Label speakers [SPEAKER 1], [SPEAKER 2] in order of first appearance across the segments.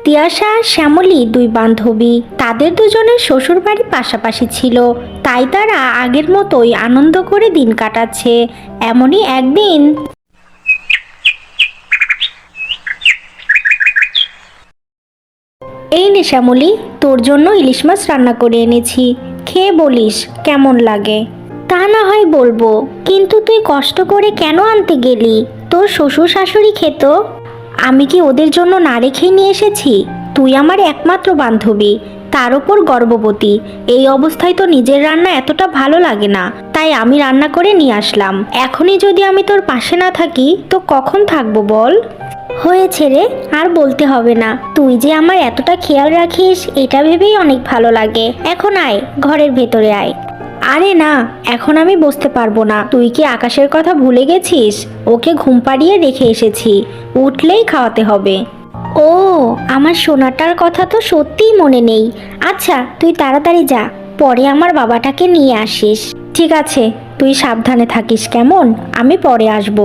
[SPEAKER 1] তিয়াশা আর শ্যামলী দুই বান্ধবী, তাদের দুজনের শ্বশুরবাড়ি পাশাপাশি ছিল, তাই তারা আগের মতোই আনন্দ করে দিন কাটাচ্ছে। এমনই একদিন, এই নে শ্যামলী, তোর জন্য ইলিশ মাছ রান্না করে এনেছি, খেয়ে বলিস কেমন লাগে। তা না হয় বলবো, কিন্তু তুই কষ্ট করে কেন আনতে গেলি? তোর শ্বশুর শাশুড়ি খেত, আমি কি ওদের জন্য না রেখেই নিয়ে এসেছি? তুই আমার একমাত্র বান্ধবী, তার ওপর গর্ভবতী, এই অবস্থায় তো নিজের রান্না এতটা ভালো লাগে না, তাই আমি রান্না করে নিয়ে আসলাম। এখনই যদি আমি তোর পাশে না থাকি তো কখন থাকবো বল? হয়েছে রে, আর বলতে হবে না, তুই যে আমার এতটা খেয়াল রাখিস এটা ভেবেই অনেক ভালো লাগে। এখন আয়, ঘরের ভেতরে আয়। আরে না, এখন আমি বসতে পারবো না। তুই কি আকাশের কথা ভুলে গেছিস? ওকে ঘুম পাড়িয়ে রেখে এসেছি, উঠলেই খাওয়াতে হবে। ও, আমার সোনাটার কথা তো সত্যিই মনে নেই। আচ্ছা তুই তাড়াতাড়ি যা, পরে আমার বাবাটাকে নিয়ে আসিস। ঠিক আছে, তুই সাবধানে থাকিস কেমন? আমি পরে আসবো।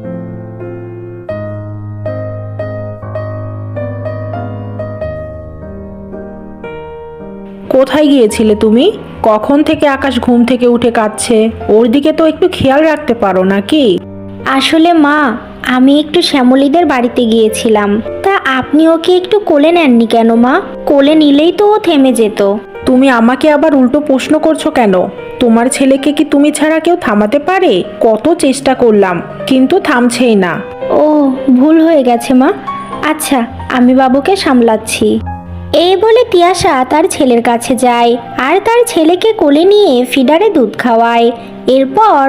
[SPEAKER 2] কোথায় গিয়েছিলে তুমি? কখন থেকে আকাশ ঘুম থেকে উঠে কাঁদছে? ওর দিকে তো একটু খেয়াল রাখতে পারো নাকি?
[SPEAKER 1] আসলে মা, আমি একটু শ্যামলীদের বাড়িতে গিয়েছিলাম। তা আপনি ওকে একটু কোলে নেননি কেন মা? কোলে নিলেই তো ও থেমে যেত।
[SPEAKER 2] তুমি আমাকে আবার উল্টো প্রশ্ন করছো কেন? তোমার ছেলেকে কি তুমি ছাড়া কেউ থামাতে পারে? কত চেষ্টা করলাম, কিন্তু থামছেই না।
[SPEAKER 1] ও, ভুল হয়ে গেছে মা। আচ্ছা, আমি বাবুকে সামলাচ্ছি। এই বলে তিয়াশা তার ছেলের কাছে যায় আর তার ছেলেকে কোলে নিয়ে ফিডারে দুধ খাওয়ায়। এরপর,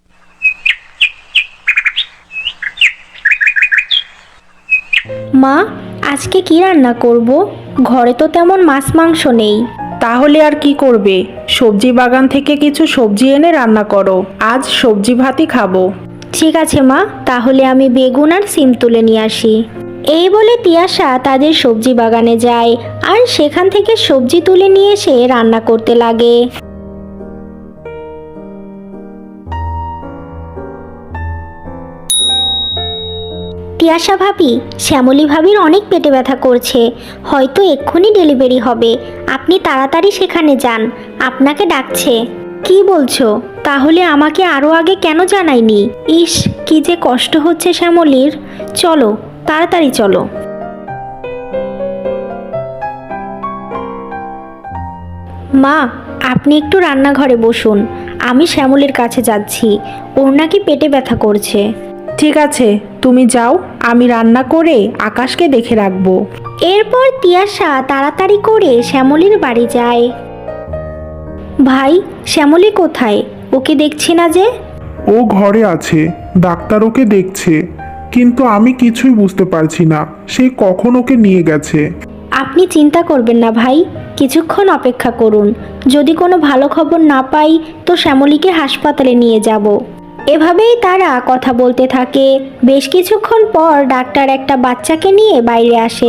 [SPEAKER 1] মা, আজকে কি রান্না করব? ঘরে তো তেমন মাছ মাংস নেই।
[SPEAKER 2] তাহলে আর কি করবে? সবজি বাগান থেকে কিছু সবজি এনে রান্না করো, আজ সবজি ভাতই খাবো।
[SPEAKER 1] ঠিক আছে মা, তাহলে আমি বেগুন আর সিম তুলে নিয়ে আসি। এই বলে তিয়াশা তাদের সবজি বাগানে যায় আর সেখান থেকে সবজি তুলে নিয়ে এসে রান্না করতে লাগে। তিয়াশা ভাবি, শ্যামলী ভাবির অনেক পেটে ব্যথা করছে, হয়তো এক্ষুনি ডেলিভারি হবে। আপনি তাড়াতাড়ি সেখানে যান, আপনাকে ডাকছে। কি বলছো? তাহলে আমাকে আরো আগে কেন জানায়নি? ইস, কি যে কষ্ট হচ্ছে শ্যামলীর। চলো, তাড়াতাড়ি চলো। মা, আপনি একটু রান্নাঘরে বসুন, আমি শ্যামলীর কাছে যাচ্ছি, ওর নাকি পেটে ব্যথা করছে।
[SPEAKER 2] ঠিক আছে, তুমি যাও, আমি রান্না করে আকাশকে দেখে রাখবো।
[SPEAKER 1] এরপর তিয়াশা তাড়াতাড়ি করে শ্যামলীর বাড়ি যায়। ভাই, শ্যামলী কোথায়? ওকে দেখছি না যে।
[SPEAKER 3] ও ঘরে আছে, ডাক্তার ওকে দেখছে, কিন্তু আমি কিছুই বুঝতে পারছি না সে কখন ওকে নিয়ে গেছে।
[SPEAKER 1] আপনি চিন্তা করবেন না ভাই, কিছুক্ষণ অপেক্ষা করুন, যদি কোনো ভালো খবর না পাই তো শ্যামলীকে হাসপাতালে নিয়ে যাব। এভাবেই তারা কথা বলতে থাকে। বেশ কিছুক্ষণ পর ডাক্তার একটা বাচ্চাকে নিয়ে বাইরে আসে।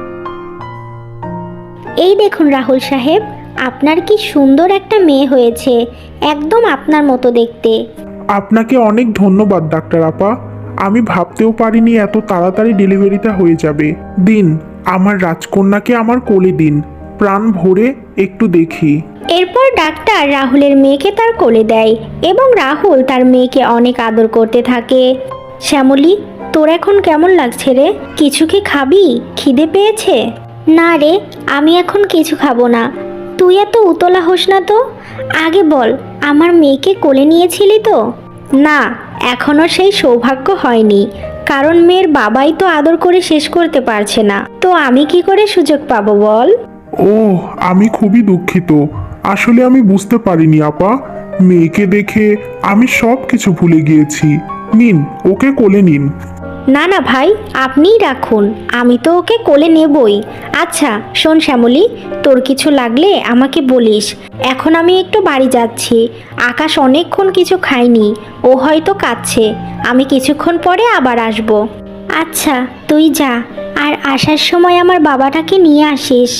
[SPEAKER 1] এই দেখুন রাহুল সাহেব, আপনার কি সুন্দর একটা মেয়ে হয়েছে, একদম আপনার মতো দেখতে।
[SPEAKER 3] আপনাকে অনেক ধন্যবাদ ডাক্তার আপা, আমি ভাবতেও পারিনি এত তাড়াতাড়ি ডেলিভারিটা হয়ে যাবে। দিন, আমার রাজকন্যাকে আমার কোলে দিন, প্রাণ ভরে একটু দেখি।
[SPEAKER 1] এরপর ডাক্তার রাহুলের মেয়েকে তার কোলে দেয় এবং রাহুল তার মেয়েকে অনেক আদর করতে থাকে। শ্যামলী, তোর এখন কেমন লাগছে রে? কিছু কি খাবি? খিদে পেয়েছে? না রে, আমি এখন কিছু খাবো না। তুই এত উতলা হোস না তো, আগে বল, আমার মেয়েকে কোলে নিয়েছিলি তো? না, এখনো সেই সৌভাগ্য হয়নি, কারণ মেয়ের বাবাই তো আদর করে শেষ করতে পারছে না, তো আমি কি করে সুযোগ পাবো বল?
[SPEAKER 3] ওহ, আমি খুবই দুঃখিত, আসলে আমি বুঝতে পারিনি আপা, মেয়েকে দেখে আমি সব কিছু ভুলে গিয়েছি। নিন, ওকে কোলে নিন।
[SPEAKER 1] না না ভাই, আপনিই রাখুন, আমি তো ওকে কোলে নেবই। আচ্ছা শোন শ্যামলী, তোর কিছু লাগলে আমাকে বলিস। এখন আমি একটু বাড়ি যাচ্ছি, আকাশ অনেকক্ষণ কিছু খায়নি, ও হয়তো কাঁদছে, আমি কিছুক্ষণ পরে আবার আসব। আচ্ছা, তুই যা, আর আসার সময় আমার বাবাটাকে নিয়ে আসিস।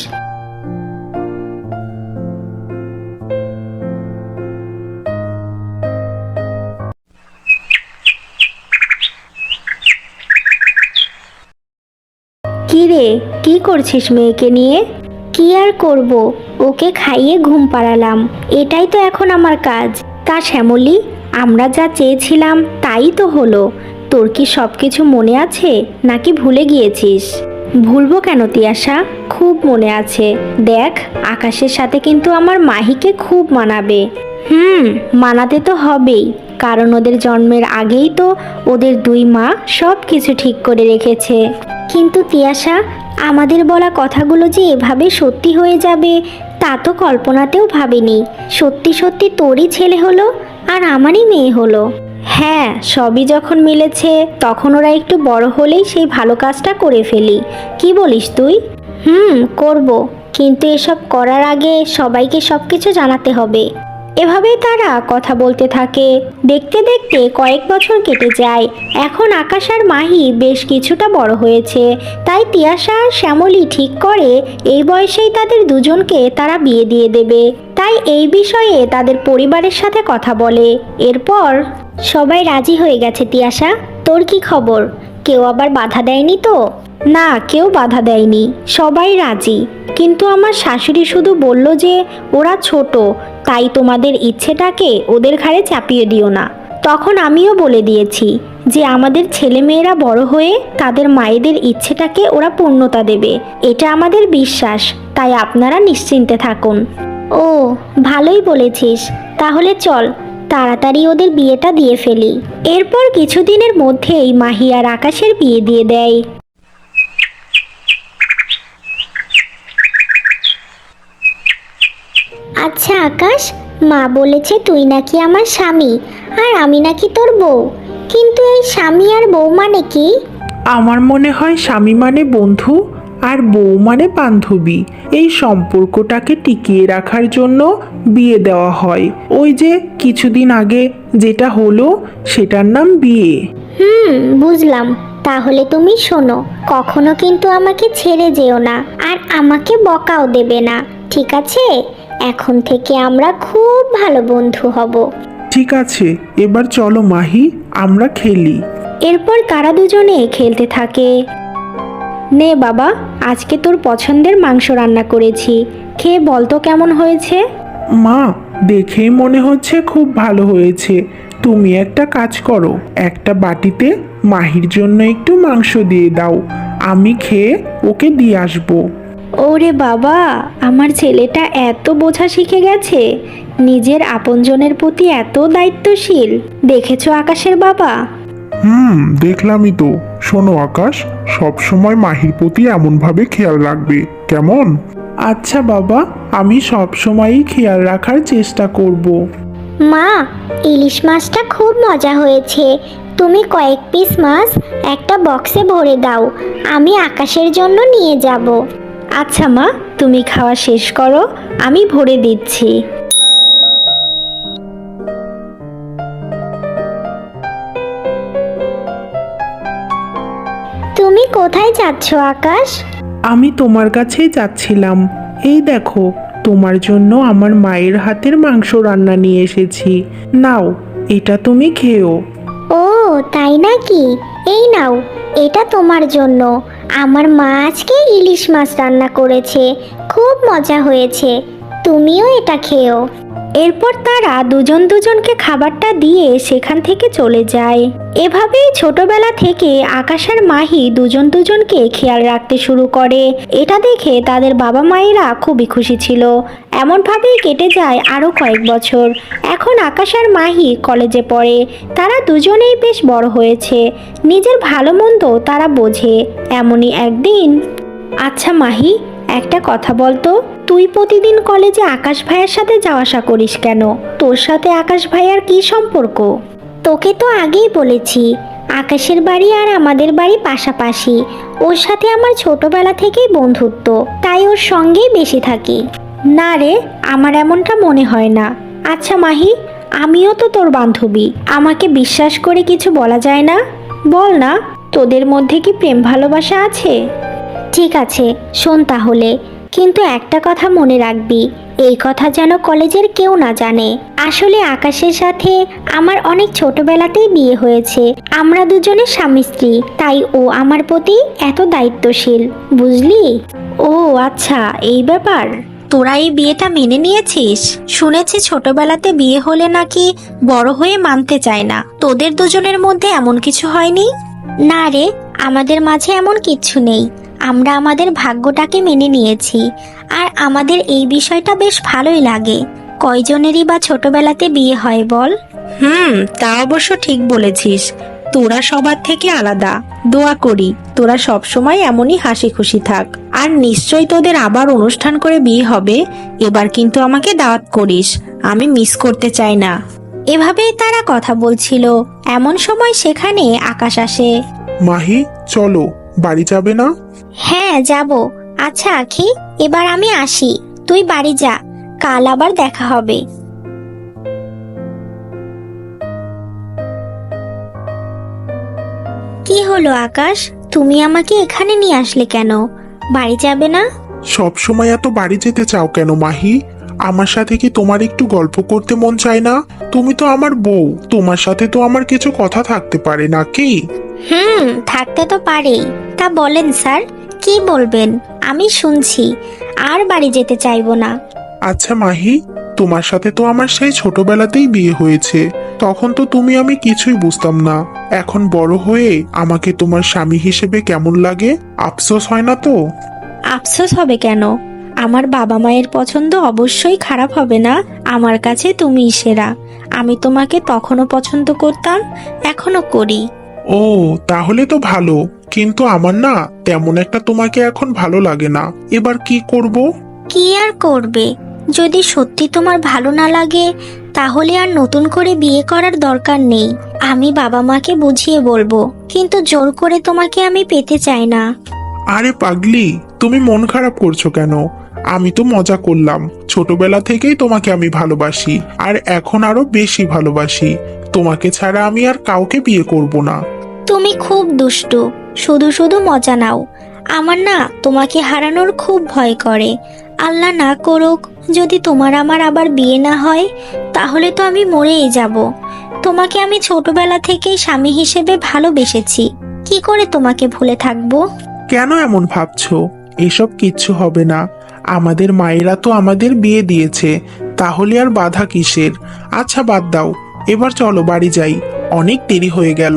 [SPEAKER 1] কি রে, কি করছিস মেয়েকে নিয়ে? কি আর করব, ওকে খাইয়ে ঘুম পাড়ালাম, এটাই তো এখন আমার কাজ। তা শ্যামলী, আমরা যা চেয়েছিলাম তাই তো হলো। তোর কি সব কিছু মনে আছে নাকি ভুলে গিয়েছিস? ভুলবো কেন তিয়াশা, খুব মনে আছে। দেখ, আকাশের সাথে কিন্তু আমার মাহিকে খুব মানাবে। মানাতে তো হবেই, কারণ ওদের জন্মের আগেই তো ওদের দুই মা সব কিছু ঠিক করে রেখেছে। কিন্তু তিয়াশা, আমাদের বলা কথাগুলো যে এভাবে সত্যি হয়ে যাবে তা তো কল্পনাতেও ভাবিনি। সত্যি সত্যি তোরই ছেলে হলো আর আমারই মেয়ে হলো। হ্যাঁ, সবই যখন মিলেছে তখন ওরা একটু বড় হলেই সেই ভালো কাজটা করে ফেলি। কি বলিস তুই? করব, কিন্তু এসব করার আগে সবাইকে সব কিছু জানাতে হবে। এভাবেই তারা কথা বলতে থাকে। দেখতে দেখতে কয়েক বছর কেটে যায়। এখন আকাশ আর মাহি বেশ কিছুটা বড় হয়েছে, তাই তিয়াশা আর শ্যামলী ঠিক করে এই বয়সেই তাদের দুজনকে তারা বিয়ে দিয়ে দেবে। তাই এই বিষয়ে তাদের পরিবারের সাথে কথা বলে। এরপর সবাই রাজি হয়ে গেছে। তিয়াশা, তোর কি খবর? কেউ আবার বাধা দেয়নি তো? না, কেউ বাধা দেয়নি, সবাই রাজি। কিন্তু আমার শাশুড়ি শুধু বলল যে ওরা ছোট, তাই তোমাদের ইচ্ছেটাকে ওদের ঘাড়ে চাপিয়ে দিও না। তখন আমিও বলে দিয়েছি যে আমাদের ছেলেমেয়েরা বড় হয়ে তাদের মায়েদের ইচ্ছেটাকে ওরা পূর্ণতা দেবে, এটা আমাদের বিশ্বাস। তাই আপনারা নিশ্চিন্তে থাকুন। ও, ভালোই বলেছিস। তাহলে চল তাড়াতাড়ি ওদের বিয়েটা দিয়ে ফেলি। এরপর কিছুদিনের মধ্যেই মাহি আর আকাশের বিয়ে দিয়ে দেয়। আচ্ছা আকাশ, মা বলেছে তুই নাকি আমার স্বামী আর আমি নাকি তোর বউ, কিন্তু এই স্বামী আর বউ মানে কি?
[SPEAKER 2] আমার মনে হয় স্বামী মানে বন্ধু আর বউ মানে বান্ধবী। এই সম্পর্কটাকে টিকিয়ে রাখার জন্য বিয়ে দেওয়া হয়। ওই যে কিছুদিন আগে যেটা হলো সেটার নাম বিয়ে।
[SPEAKER 1] বুঝলাম। তাহলে তুমি শোনো, কখনো কিন্তু আমাকে ছেড়ে যেও না আর আমাকে বকাও দেবে না, ঠিক আছে? এখন থেকে আমরা খুব ভালো বন্ধু হব।
[SPEAKER 3] ঠিক আছে, এবার চলো মাহি, আমরা খেলি।
[SPEAKER 1] এরপর তারা দুজনে খেলতে থাকে। নে বাবা, আজকে তোর পছন্দের মাংস রান্না করেছি, খেয়ে বল তো কেমন হয়েছে।
[SPEAKER 3] মা, দেখেই মনে হচ্ছে খুব ভালো হয়েছে। তুমি একটা কাজ করো, একটা বাটিতে মাহির জন্য একটু মাংস দিয়ে দাও, আমি খেয়ে ওকে দিয়ে আসবো।
[SPEAKER 1] ওরে বাবা, আমার ছেলেটা এত বোঝা শিখে গেছে, নিজের আপনজনের প্রতি এত দায়িত্বশীল। দেখেছো আকাশের বাবা?
[SPEAKER 3] দেখলামই তো। শোনো আকাশ, সব সময় মাহির প্রতি এমনভাবে খেয়াল রাখবে, কেমন?
[SPEAKER 2] আচ্ছা বাবা, আমি সব সময়ই খেয়াল রাখার চেষ্টা করব।
[SPEAKER 1] মা, ইলিশ মাছটা খুব মজা হয়েছে। তুমি কয়েক পিস মাছ একটা বক্সে ভরে দাও, আমি আকাশের জন্য নিয়ে যাব। আচ্ছা মা, তুমি খাওয়া শেষ করো, আমি ভরে দিচ্ছি। তুমি কোথায় যাচ্ছ আকাশ?
[SPEAKER 2] আমি তোমার কাছেই যাচ্ছিলাম। এই দেখো, তোমার জন্য আমার মায়ের হাতের মাংস রান্না নিয়ে এসেছি। নাও, এটা তুমি খেও।
[SPEAKER 1] ও, তাই নাকি? এই নাও, এটা তোমার জন্য। আমার মা আজকে ইলিশ মাছ রান্না করেছে, খুব মজা হয়েছে, তুমিও এটা খেও। এরপর তারা দুজন দুজনকে খাবারটা দিয়ে সেখান থেকে চলে যায়। এভাবেই ছোটবেলা থেকে আকাশ আর মাহি দুজন দুজনকে খেয়াল রাখতে শুরু করে। এটা দেখে তাদের বাবা মায়েরা খুবই খুশি ছিল। এমনভাবেই কেটে যায় আরও কয়েক বছর। এখন আকাশ আর মাহি কলেজে পড়ে। তারা দুজনেই বেশ বড় হয়েছে, নিজের ভালো মন্দ তারা বোঝে। এমনই একদিন, আচ্ছা মাহি, একটা কথা বলতো, তুই প্রতিদিন কলেজে আকাশ ভাইয়ের সাথে যাওয়া আসা করিস কেন? তোর সাথে আকাশ ভাইয়ার কি সম্পর্ক? তোকে তো আগেই বলেছি, আকাশের বাড়ি আর আমাদের বাড়ি পাশাপাশি। ওর সাথে আমার ছোটবেলা থেকেই বন্ধুত্ব, তাই ওর সঙ্গেই বেশি থাকি। না রে, আমার এমনটা মনে হয় না। আচ্ছা মাহি, আমিও তো তোর বান্ধবী, আমাকে বিশ্বাস করে কিছু বলা যায় না? বল না, তোদের মধ্যে কি প্রেম ভালোবাসা আছে? ঠিক আছে, শোন তাহলে, কিন্তু একটা কথা মনে রাখবি, এই কথা যেন কলেজের কেউ না জানে। আসলে আকাশের সাথে আমার অনেক ছোটবেলাতেই বিয়ে হয়েছে। আমরা দুজনে স্বামী স্ত্রী, তাই ও আমার প্রতি এত দায়িত্বশীল, বুঝলি? ও আচ্ছা, এই ব্যাপার। তোরা এই বিয়েটা মেনে নিয়েছিস? শুনেছি ছোটবেলাতে বিয়ে হলে নাকি বড় হয়ে মানতে চায় না। তোদের দুজনের মধ্যে এমন কিছু হয়নি? না রে, আমাদের মাঝে এমন কিচ্ছু নেই। আমরা আমাদের ভাগ্যটাকে মেনে নিয়েছি। আর আমাদের এই বিষয়টা বেশ ভালোই লাগে। কয়জনেরই বা ছোটবেলাতে বিয়ে হয় বল? তা অবশ্য ঠিক বলেছিস। তোরা সবার থেকে আলাদা। দোয়া করি তোরা সব সময় এমনই হাসি খুশি থাক। আর নিশ্চয়ই তোদের আবার অনুষ্ঠান করে বিয়ে হবে। এবার কিন্তু আমাকে দাওয়াত করিস, আমি মিস করতে চাই না। এভাবেই তারা কথা বলছিল, এমন সময় সেখানে আকাশ আসে।
[SPEAKER 3] মাহি, চলো, বাড়ি যাবে না?
[SPEAKER 1] হ্যাঁ যাব। আচ্ছা আখি, এবার আমি আসি, তুই বাড়ি যা, কাল আবার দেখা হবে। কি হলো আকাশ, তুমি আমাকে এখানে নিয়ে আসলে কেন? বাড়ি যাবে না?
[SPEAKER 3] সব সময় এত বাড়ি যেতে চাও কেন মাহি? আমার সাথে কি তোমার একটু গল্প করতে মন চায় না? তুমি তো আমার বউ, তোমার সাথে তো আমার কিছু কথা থাকতে পারে নাকি?
[SPEAKER 1] থাকতে তো পারেই। তা বলেন স্যার, কি বলবেন? আমি শুনছি। আর বাড়ি যেতে চাইবো না।
[SPEAKER 3] আচ্ছা মাহি, তোমার সাথে তো আমার সেই ছোটবেলাতেই বিয়ে হয়েছে। তখন তো তুমি আমি কিছুই বুঝতাম না। এখন বড় হয়ে আমাকে তোমার স্বামী হিসেবে কেমন লাগে? আফসোস হয় না তো?
[SPEAKER 1] আফসোস হবে কেন? আমার বাবা মায়ের পছন্দ অবশ্যই খারাপ হবে না। আমার কাছে তুমিই সেরা। আমি তোমাকে তখনও পছন্দ করতাম, এখনো করি।
[SPEAKER 3] ও, তাহলে তো ভালো। কিন্তু আমার না তেমন একটা তোমাকে এখন ভালো লাগে না। এবার কি করব?
[SPEAKER 1] কি আর করবে? যদি সত্যি তোমার ভালো না লাগে, তাহলে আর নতুন করে বিয়ে করার দরকার নেই। আমি বাবা মাকে বুঝিয়ে বলবো, কিন্তু জোর করে তোমাকে আমি পেতে চাই না।
[SPEAKER 3] আরে পাগলি, তুমি মন খারাপ করছো কেন? আমি তো মজা করলাম। ছোটবেলা থেকেই তোমাকে আমি ভালোবাসি, আর এখন আরো বেশি ভালোবাসি। তোমাকে ছাড়া আমি আর কাউকে বিয়ে করব না।
[SPEAKER 1] তুমি খুব দুষ্টু, শুধু শুধু মজা নাও। আমার না তোমাকে হারানোর খুব ভয় করে। আল্লাহ না করুক, যদি তোমার আমার আবার বিয়ে না হয়, তাহলে তো আমি মরেই যাব। তোমাকে আমি ছোটবেলা থেকেই স্বামী হিসেবে ভালোবেসেছি, কি করে তোমাকে ভুলে থাকবো?
[SPEAKER 3] কেন এমন ভাবছো? এসব কিচ্ছু হবে না। আমাদের মায়েরা তো আমাদের বিয়ে দিয়েছে, তাহলে আর বাধা কিসের? আচ্ছা বাদ দাও, এবার চলো বাড়ি যাই। অনেক দেরি হয়ে গেল।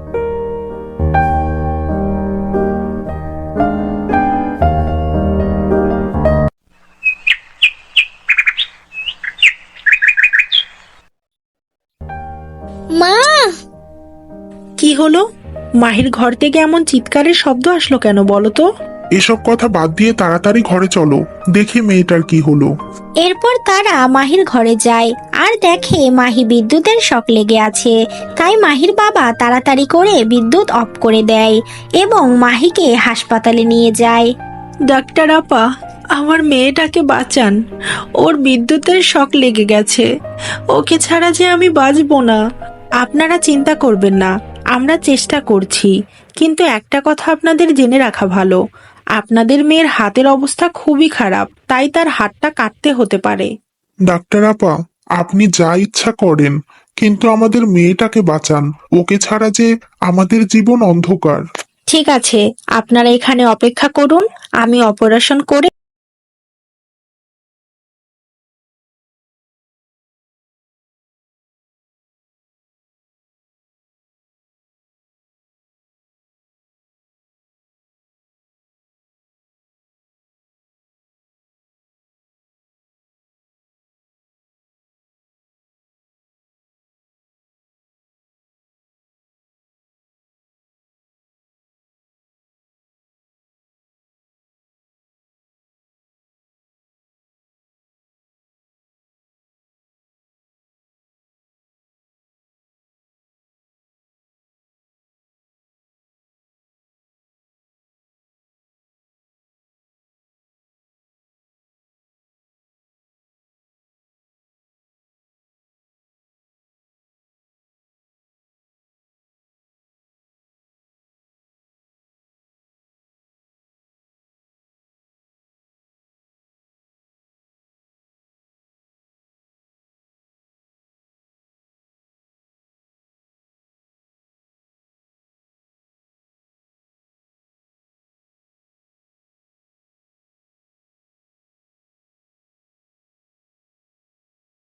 [SPEAKER 1] মা!
[SPEAKER 2] কি হলো? মাহির ঘর থেকে এমন চিৎকারের শব্দ আসলো কেন বলো তো?
[SPEAKER 3] এসব কথা বাদ দিয়ে তাড়াতাড়ি ঘরে চলো, দেখি মেয়েটার কি হলো।
[SPEAKER 1] এরপর তারা মাহির ঘরে যায় আর দেখে মাহি বিদ্যুতের শক লেগে আছে। তাই মাহির বাবা তাড়াতাড়ি করে বিদ্যুৎ অফ করে দেয় এবং মাহিকে হাসপাতালে নিয়ে যায়।
[SPEAKER 2] ডাক্তার আপা, আমার মেয়েটাকে বাঁচান। ওর বিদ্যুতের শক লেগে গেছে। ওকে ছাড়া যে আমি বাঁচবো না। আপনারা চিন্তা করবেন না, আমরা চেষ্টা করছি। কিন্তু একটা কথা আপনাদের জেনে রাখা ভালো, আপনাদের মেয়ের হাতের অবস্থা খুবই খারাপ, তাই তার হাতটা কাটতে হতে পারে।
[SPEAKER 3] ডাক্তার আপা, আপনি যা ইচ্ছা করেন, কিন্তু আমাদের মেয়েটাকে বাঁচান। ওকে ছাড়া যে আমাদের জীবন অন্ধকার।
[SPEAKER 2] ঠিক আছে, আপনারা এখানে অপেক্ষা করুন, আমি অপারেশন করে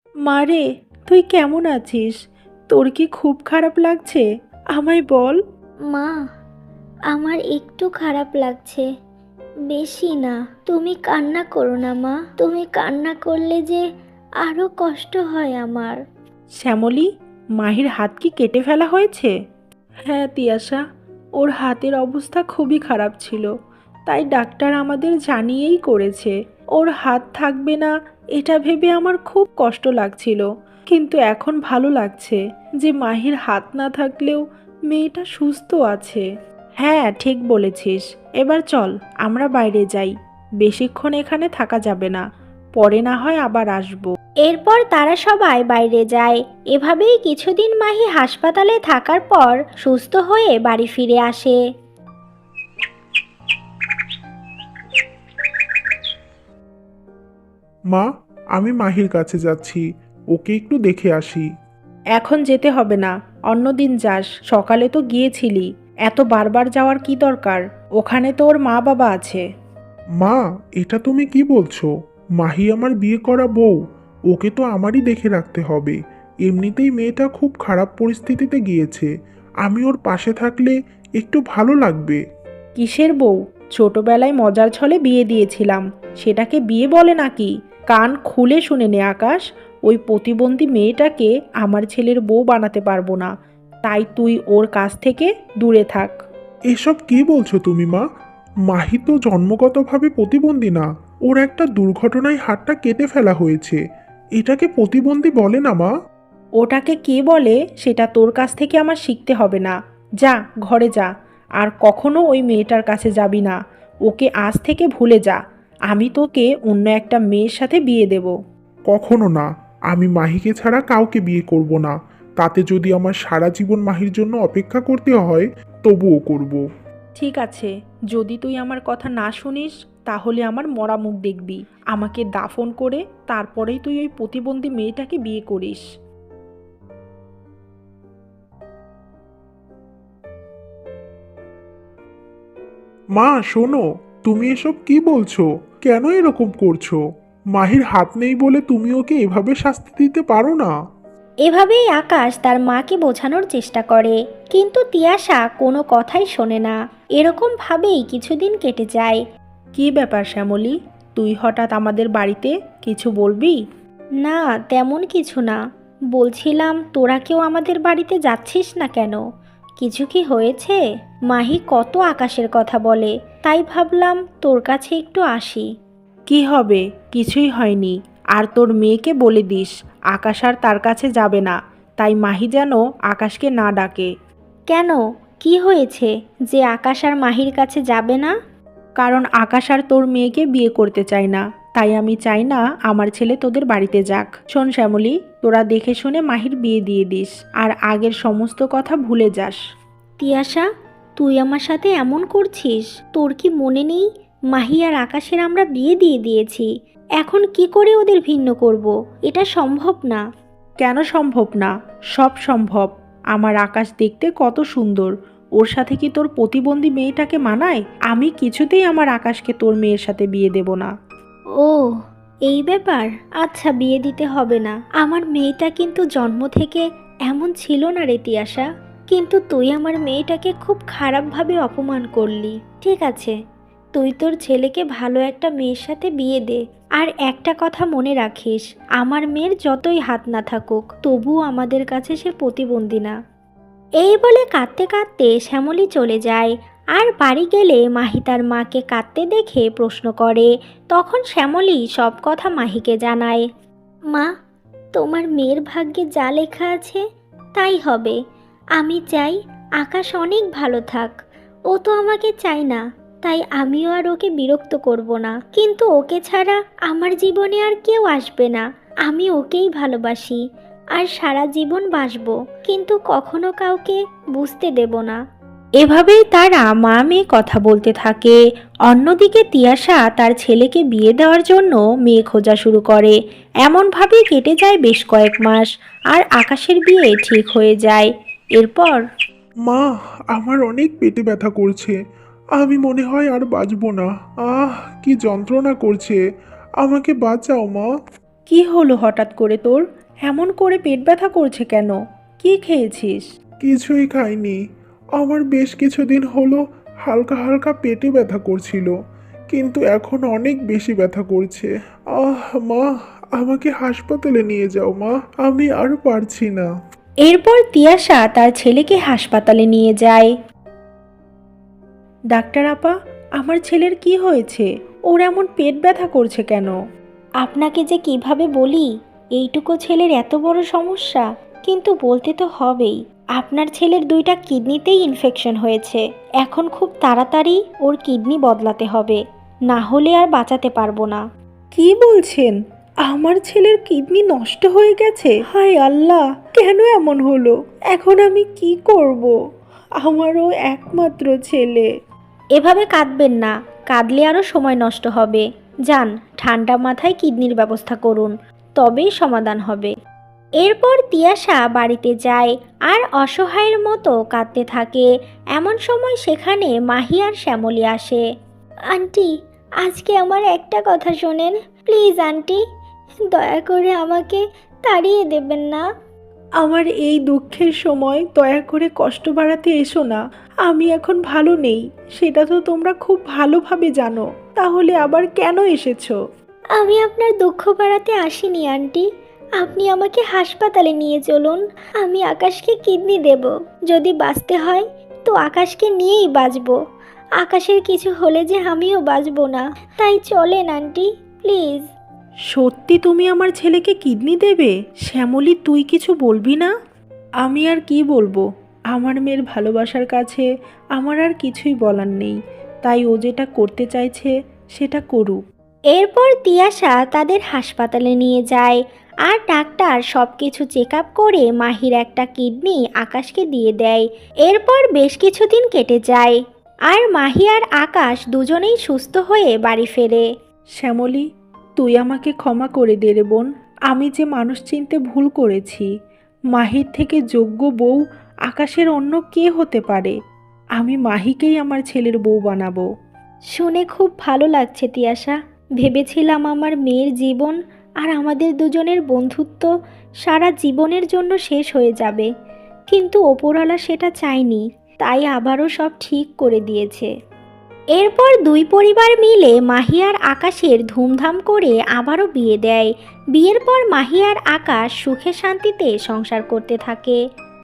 [SPEAKER 2] মারে, তুই কেমন আছিস? তোর কি খুব খারাপ লাগছে? আমায় বল।
[SPEAKER 1] মা, আমার একটু খারাপ লাগছে, বেশি না। তুমি কান্না করো না মা, তুমি কান্না করলে যে আরো কষ্ট হয় আমার।
[SPEAKER 2] শ্যামলী, মাহির হাত কি কেটে ফেলা হয়েছে? হ্যাঁ তিয়াশা, ওর হাতের অবস্থা খুবই খারাপ ছিল, তাই ডাক্তার আমাদের জানিয়েই করেছে। ওর হাত থাকবে না এটা ভেবে আমার খুব কষ্ট লাগছিল, কিন্তু এখন ভালো লাগছে যে মাহির হাত না থাকলেও মেয়েটা সুস্থ আছে। হ্যাঁ ঠিক বলেছিস। এবার চল আমরা বাইরে যাই, বেশিক্ষণ এখানে থাকা যাবে না, পরে না হয় আবার আসবো।
[SPEAKER 1] এরপর তারা সবাই বাইরে যায়। এভাবেই কিছুদিন মাহি হাসপাতালে থাকার পর সুস্থ হয়ে বাড়ি ফিরে আসে।
[SPEAKER 3] মা, আমি মাহির কাছে যাচ্ছি, ওকে একটু দেখে আসি।
[SPEAKER 2] এখন যেতে হবে না, অন্যদিন যাস, সকালে তো গিয়েছিলি। এত বারবার যাওয়ার কি দরকার? ওখানে তো ওর মা বাবা আছে।
[SPEAKER 3] মা, এটা তুমি কি বলছো? মাহি আমার বিয়ে করা বউ, ওকে তো আমারই দেখে রাখতে হবে। এমনিতেই মেয়েটা খুব খারাপ পরিস্থিতিতে গিয়েছে, আমি ওর পাশে থাকলে একটু ভালো লাগবে।
[SPEAKER 2] কিসের বউ? ছোটবেলায় মজার ছলে বিয়ে দিয়েছিলাম, সেটাকে বিয়ে বলে নাকি? কান খুলে শুনে নে আকাশ, ওই প্রতিবন্ধী মেয়েটাকে আমার ছেলের বউ বানাতে পারবো না, তাই তুই ওর কাছ থেকে দূরে থাক।
[SPEAKER 3] এসব কি বলছো তুমি মা? মাহি তো জন্মগতভাবে প্রতিবন্ধী না, ওর একটা দুর্ঘটনায় হাতটা কেটে ফেলা হয়েছে, এটাকে প্রতিবন্ধী বলে না মা।
[SPEAKER 2] ওটাকে কে বলে সেটা তোর কাছ থেকে আমার শিখতে হবে না। যা ঘরে যা, আর কখনো ওই মেয়েটার কাছে যাবি না। ওকে আজ থেকে ভুলে যা। আমি তোকে অন্য একটা মেয়ের সাথে বিয়ে দেব।
[SPEAKER 3] কখনো না, আমি মাহিকে ছাড়া কাউকে বিয়ে করব না। তাতে যদি আমার সারা জীবন মাহির জন্য অপেক্ষা করতে হয়, তবুও করব।
[SPEAKER 2] ঠিক আছে, যদি তুই আমার কথা না শুনিস তাহলে আমার মরা মুখ দেখবি। আমাকে দাফন করে তারপরেই তুই ওই প্রতিবন্ধী মেয়েটাকে বিয়ে করিস।
[SPEAKER 3] মা শোনো, তুমি এসব কি বলছো? কেন এরকম করছো? মাহির হাত নেই বলে তুমি ওকে এভাবে শাস্তি দিতে পারো না।
[SPEAKER 1] এভাবেই আকাশ তার মাকে বোঝানোর চেষ্টা করে, কিন্তু তিয়াশা কোনো কথাই শোনে না। এরকম ভাবেই কিছুদিন কেটে যায়।
[SPEAKER 2] কি ব্যাপার শ্যামলী, তুই হঠাৎ আমাদের বাড়িতে কিছু বলবি?
[SPEAKER 1] না, তেমন কিছু না। বলছিলাম তোরা কেউ আমাদের বাড়িতে যাচ্ছিস না কেন? কিছু কি হয়েছে? মাহি কত আকাশের কথা বলে, তাই ভাবলাম তোর কাছে একটু আসি।
[SPEAKER 2] কি হবে? কিছুই হয়নি। আর তোর মেয়েকে বলে দিস আকাশ আর তার কাছে যাবে না, তাই মাহি যেন আকাশকে না ডাকে।
[SPEAKER 1] কেন, কি হয়েছে যে আকাশ আর মাহির কাছে যাবে না?
[SPEAKER 2] কারণ আকাশ আর তোর মেয়েকে বিয়ে করতে চায় না, তাই আমি চাই না আমার ছেলে তোদের বাড়িতে যাক। শোন শ্যামলী, তোরা দেখে শুনে মাহির বিয়ে দিয়ে দিস, আর আগের সমস্ত কথা ভুলে যাস।
[SPEAKER 1] তিয়াশা, তুই আমার সাথে এমন করছিস? তোর কি মনে নেই মাহি আর আকাশের আমরা বিয়ে দিয়ে দিয়েছি? এখন কি করে ওদের ভিন্ন করব? এটা সম্ভব না।
[SPEAKER 2] কেন সম্ভব না? সব সম্ভব। আমার আকাশ দেখতে কত সুন্দর, ওর সাথে কি তোর প্রতিবন্ধী মেয়েটাকে মানায়? আমি কিছুতেই আমার আকাশকে তোর মেয়ের সাথে বিয়ে দেব না।
[SPEAKER 1] ও, এই ব্যাপার। আচ্ছা, বিয়ে দিতে হবে না। আমার মেয়েটা কিন্তু জন্ম থেকে এমন ছিল না রে তিয়াশা, কিন্তু তুই আমার মেয়েটাকে খুব খারাপভাবে অপমান করলি। ঠিক আছে, তুই তোর ছেলেকে ভালো একটা মেয়ের সাথে বিয়ে দে। আর একটা কথা মনে রাখিস, আমার মেয়ের যতই হাত না থাকুক, তবুও আমাদের কাছে সে প্রতিবন্ধী না। এই বলে কাঁদতে কাঁদতে শ্যামলী চলে যায়। আর বাড়ি গেলে মাহি তার মাকে কাঁদতে দেখে প্রশ্ন করে। তখন শ্যামলী সব কথা মাহিকে জানায়। মা, তোমার মেয়ের ভাগ্যে যা লেখা আছে তাই হবে। আমি চাই আকাশ অনেক ভালো থাক। ও তো আমাকে চায় না, তাই আমিও আর ওকে বিরক্ত করব না। কিন্তু ওকে ছাড়া আমার জীবনে আর কেউ আসবে না। আমি ওকেই ভালোবাসি আর সারা জীবন বাসবো, কিন্তু কখনো কাউকে বুঝতে দেব না।
[SPEAKER 2] এভাবেই তারা মা মেয়ে কথা বলতে থাকে। অন্যদিকে তিয়াশা তার ছেলেকে বিয়ে দেওয়ার জন্য মেয়ে খোঁজা শুরু করে। এমনভাবেই কেটে যায় বেশ কয়েক মাস, আর আকাশের বিয়ে ঠিক হয়ে যায়। এরপর
[SPEAKER 3] মা, আমার অনেক পেটে ব্যথা করছে, আমি মনে হয় আর বাঁচবো না। আহ, কি যন্ত্রণা করছে, আমাকে বাঁচাও মা।
[SPEAKER 2] কি হলো হঠাৎ করে তোর? এমন করে পেট ব্যথা করছে কেন? কি খেয়েছিস?
[SPEAKER 3] কিছুই খাইনি। আমার বেশ কিছুদিন হলো হালকা হালকা পেটে ব্যথা করছিল, কিন্তু এখন অনেক বেশি ব্যথা করছে। মা, আমাকে হাসপাতালে নিয়ে যাও মা, আমি আর পারছি না।
[SPEAKER 1] এরপর তিয়াশা তার ছেলেকে হাসপাতালে নিয়ে যায়।
[SPEAKER 2] ডাক্তার আপা, আমার ছেলের কি হয়েছে? ওর এমন পেট ব্যথা করছে কেন?
[SPEAKER 1] আপনাকে যে কিভাবে বলি, এইটুকু ছেলের এত বড় সমস্যা, কিন্তু বলতে তো হবেই। আপনার ছেলের 2টা কিডনিতেই ইনফেকশন হয়েছে। এখন খুব তাড়াতাড়ি ওর কিডনি বদলাতে হবে, না হলে আর বাঁচাতে পারবো না।
[SPEAKER 2] কি বলছেন? আমার ছেলের কিডনি নষ্ট হয়ে গেছে? হায় আল্লাহ, কেন এমন হলো? এখন আমি কি করব? আমারও একমাত্র ছেলে।
[SPEAKER 1] এভাবে কাঁদবেন না, কাঁদলে আরও সময় নষ্ট হবে। যান, ঠান্ডা মাথায় কিডনির ব্যবস্থা করুন, তবেই সমাধান হবে। এরপর তিয়াশা বাড়িতে যায় আর অসহায়ের মতো কাঁদতে থাকে। এমন সময় সেখানে মাহি আর শ্যামলী আসে। আন্টি, আজকে আমার একটা কথা শোনেন প্লিজ আন্টি, দয়া করে আমাকে তাড়িয়ে দেবেন না।
[SPEAKER 2] আমার এই দুঃখের সময় দয়া করে কষ্ট বাড়াতে এসো না। আমি এখন ভালো নেই, সেটা তো তোমরা খুব ভালোভাবে জানো। তাহলে আবার কেন এসেছো?
[SPEAKER 1] আমি আপনার দুঃখ বাড়াতে আসিনি আন্টি, আপনি আমাকে হাসপাতালে নিয়ে চলুন। আমি আকাশকে কিডনি দেব। যদি বাঁচতে হয় তো আকাশকে নিয়েই বাঁচবো। আকাশের কিছু হলে যে আমিও বাঁচবো না, তাই চলেন আন্টি প্লিজ।
[SPEAKER 2] সত্যি তুমি আমার ছেলেকে কিডনি দেবে? শ্যামলী, তুই কিছু বলবি না? আমি আর কি বলবো? আমার মেয়ের ভালোবাসার কাছে আমার আর কিছুই বলার নেই। তাই ও যেটা করতে চাইছে সেটা করুক।
[SPEAKER 1] এরপর তিয়াশা তাদের হাসপাতালে নিয়ে যায় আর ডাক্তার সব কিছু চেক আপ করে মাহির একটা কিডনি আকাশকে দিয়ে দেয়। এরপর বেশ কিছুদিন কেটে যায় আর মাহি আর আকাশ দুজনেই সুস্থ হয়ে বাড়ি ফেরে।
[SPEAKER 2] শ্যামলী, তুই আমাকে ক্ষমা করে দে রে বোন। আমি যে মানুষ চিনতে ভুল করেছি। মাহির থেকে যোগ্য বউ আকাশের অন্য কে হতে পারে? আমি মাহিকেই আমার ছেলের বউ বানাবো।
[SPEAKER 1] শুনে খুব ভালো লাগছে তিয়াশা। ভেবেছিলাম আমার মেয়ের জীবন আর আমাদের দুজনের বন্ধুত্ব সারা জীবনের জন্য শেষ হয়ে যাবে, কিন্তু ওপরওয়ালা সেটা চায়নি, তাই আবারও সব ঠিক করে দিয়েছে। এরপর দুই পরিবার মিলে মাহি আর আকাশের ধুমধাম করে আবারও বিয়ে দেয়। বিয়ের পর মাহি আর আকাশ সুখে শান্তিতে সংসার করতে থাকে।